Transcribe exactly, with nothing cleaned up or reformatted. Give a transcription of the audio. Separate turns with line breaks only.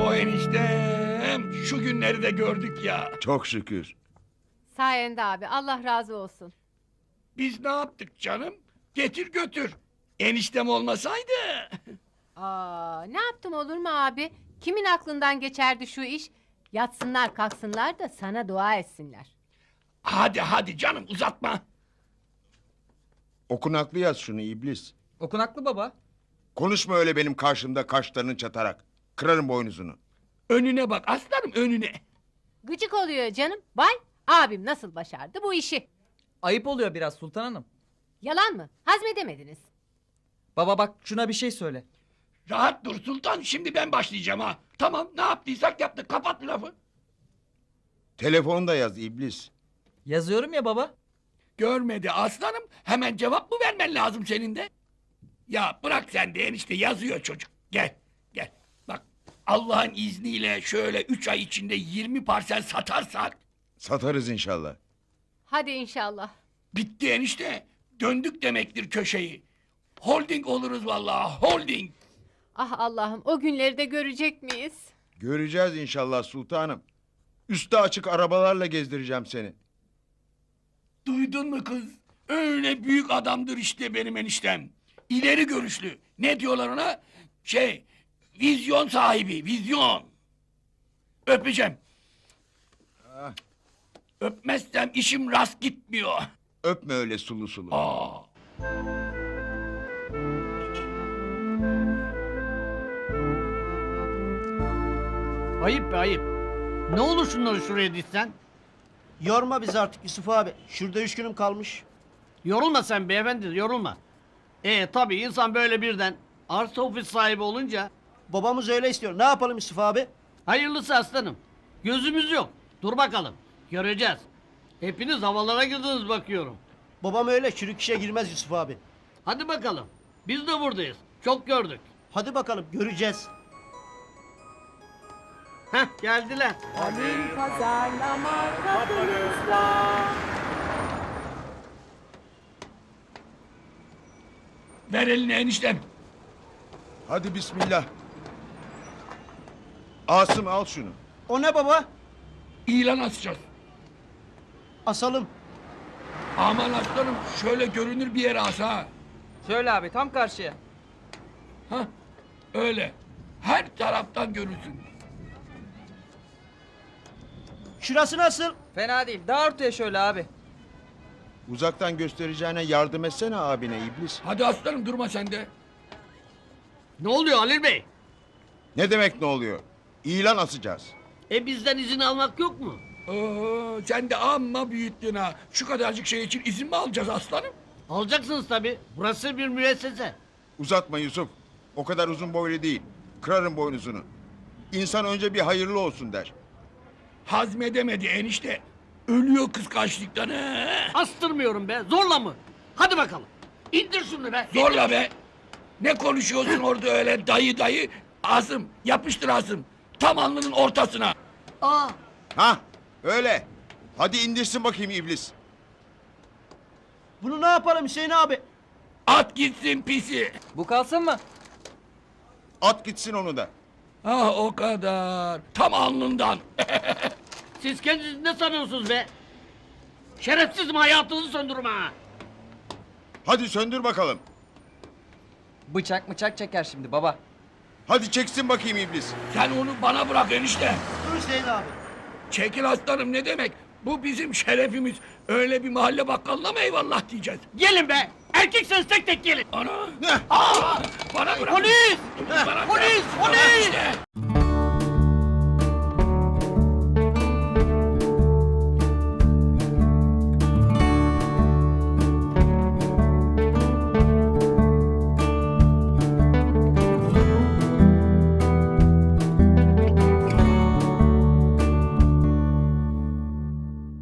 Bravo eniştem. Şu günleri de gördük ya.
Çok şükür.
Sayende abi, Allah razı olsun.
Biz ne yaptık canım? Getir götür. Eniştem olmasaydı.
Aa, ne yaptım olur mu abi? Kimin aklından geçerdi şu iş? Yatsınlar kalksınlar da sana dua etsinler.
Hadi hadi canım uzatma.
Okunaklı yaz şunu iblis.
Okunaklı baba.
Konuşma öyle benim karşımda kaşlarını çatarak. Kırarım boynuzunu.
Önüne bak aslanım önüne.
Gıcık oluyor canım. Vay, abim nasıl başardı bu işi?
Ayıp oluyor biraz Sultan Hanım.
Yalan mı? Hazmedemediniz.
Baba bak şuna bir şey söyle.
Rahat dur sultan, şimdi ben başlayacağım ha. Tamam, ne yaptıysak yaptık, kapat lafı.
Telefonu da yaz iblis.
Yazıyorum ya baba.
Görmedi aslanım, hemen cevap mı vermen lazım senin de? Ya bırak sen de enişte, yazıyor çocuk. Gel, gel. Bak, Allah'ın izniyle şöyle üç ay içinde yirmi parsel satarsak...
Satarız inşallah.
Hadi inşallah.
Bitti enişte, döndük demektir köşeyi. Holding oluruz vallahi, holding.
Ah Allah'ım, o günleri de görecek miyiz?
Göreceğiz inşallah sultanım. Üstü açık arabalarla gezdireceğim seni.
Duydun mu kız? Öyle büyük adamdır işte benim eniştem. İleri görüşlü. Ne diyorlar ona? Şey, vizyon sahibi, vizyon. Öpeceğim.
Ah.
Öpmezsem işim rast gitmiyor.
Öpme öyle sulu sulu.
Aa.
Ayıp be ayıp. Ne olur şunları şuraya dizsen.
Yorma bizi artık Yusuf abi. Şurada üç günüm kalmış.
Yorulma sen beyefendi, yorulma. E tabii insan böyle birden arsa ofis sahibi olunca
Babamız öyle istiyor. Ne yapalım Yusuf abi?
hayırlısı aslanım. Gözümüz yok. Dur bakalım. Göreceğiz. Hepiniz havalara girdiniz bakıyorum.
Babam öyle çürük işe girmez Yusuf abi.
Hadi bakalım. Biz de buradayız. Çok gördük.
Hadi bakalım göreceğiz.
Heh geldiler.
Ver elini eniştem.
Hadi bismillah. Asım al şunu.
O ne baba?
İlan asacağız.
Asalım.
Aman aslanım, şöyle görünür bir yere as ha.
Şöyle abi tam karşıya.
Hah, öyle. Her taraftan görürsün.
Şurası nasıl?
Fena değil. Daha ortaya şöyle abi.
Uzaktan göstereceğine yardım etsene abine iblis.
Hadi aslanım, durma sen de.
Ne oluyor Halil Bey?
Ne demek ne oluyor? İlan asacağız.
E bizden izin almak yok mu?
Oo, sen de amma büyüttün ha. Şu kadarcık şey için izin mi alacağız aslanım?
Alacaksınız tabii. Burası bir müessese.
Uzatma Yusuf. O kadar uzun boylu değil. Kırarım boynuzunu. İnsan önce bir hayırlı olsun der.
Hazmedemedi enişte. Ölüyor kıskançlıktan he.
Astırmıyorum be. Zorla mı? Hadi bakalım. İndir şunu be.
Zorla be. Ne konuşuyorsun orada öyle dayı dayı? Asım, yapıştır Asım. Tam alnının ortasına.
Aa,
Ha öyle. Hadi indirsin bakayım iblis.
Bunu ne yapalım Hüseyin abi?
At gitsin pisi.
Bu kalsın mı?
At gitsin onu da.
Ah o kadar. Tam alnından.
siz kendinizi ne sanıyorsunuz be? Şerefsizim, hayatınızı söndürürüm ha.
Hadi söndür bakalım.
Bıçak bıçak çeker şimdi baba.
Hadi çeksin bakayım iblis.
Sen onu bana bırak enişte.
Dur Hüseyin abi.
Çekil aslanım, ne demek? Bu bizim şerefimiz. Öyle bir mahalle bakkalına mı eyvallah diyeceğiz?
Gelin be. Erkekseniz tek tek gelin.
Ana.
Heh.
Aa, bana bırak.
Polis!
Bana bırak.
Polis! Polis!